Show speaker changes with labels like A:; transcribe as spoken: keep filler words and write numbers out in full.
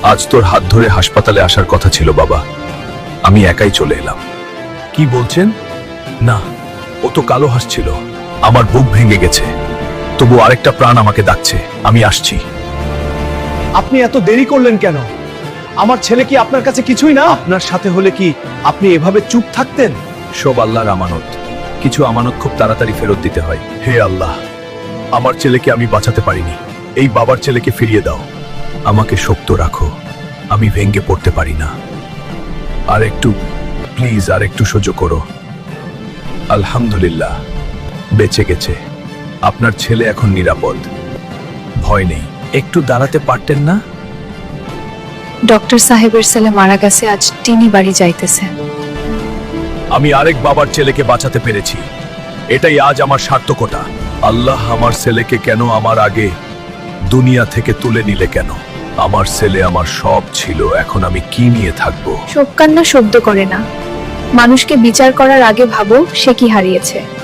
A: আজ তোর হাত ধরে হাসপাতালে আসার কথা ছিল বাবা, আমি একাই চলে এলাম। কি বলছেন? না, ও তো কালো হাসছিল। আমার বুক ভেঙে গেছে, তবু আরেকটা প্রাণ আমাকে ডাকছে। আমি আসছি।
B: আপনি এত দেরি করলেন কেন? আমার ছেলে কি আপনার কাছে কিছুই না? আপনার সাথে হলে কি আপনি এভাবে চুপ থাকতেন?
A: সব আল্লাহর আমানত, কিছু আমানত খুব তাড়াতাড়ি ফেরত দিতে হয়। হে আল্লাহ, আমার ছেলেকে আমি বাঁচাতে পারিনি, এই বাবার ছেলেকে ফিরিয়ে দাও। আমাকে শক্ত রাখো, আমি ভেঙে পড়তে পারি না। আর একটু প্লিজ, আর একটু সহ্য করো। আলহামদুলিল্লাহ, বেঁচে গেছে। আপনার ছেলে এখন নিরাপদ, ভয় নেই। একটু দাঁড়াতে পারতেন না?
C: ডক্টর সাহেবের ছেলে মারা গেছে, আজ তিনি বাড়ি যাইতেছে।
A: আমি আরেক বাবার ছেলেকে বাঁচাতে পেরেছি, এটাই আজ আমার সার্থকতা। আল্লাহ আমার ছেলেকে কেন আমার আগে দুনিয়া থেকে তুলে নিলে কেন? আমার ছেলে আমার সব ছিল, এখন আমি কি নিয়ে থাকবো?
C: শোক কান্না শব্দ করে না, মানুষকে বিচার করার আগে ভাবো সে কি হারিয়েছে।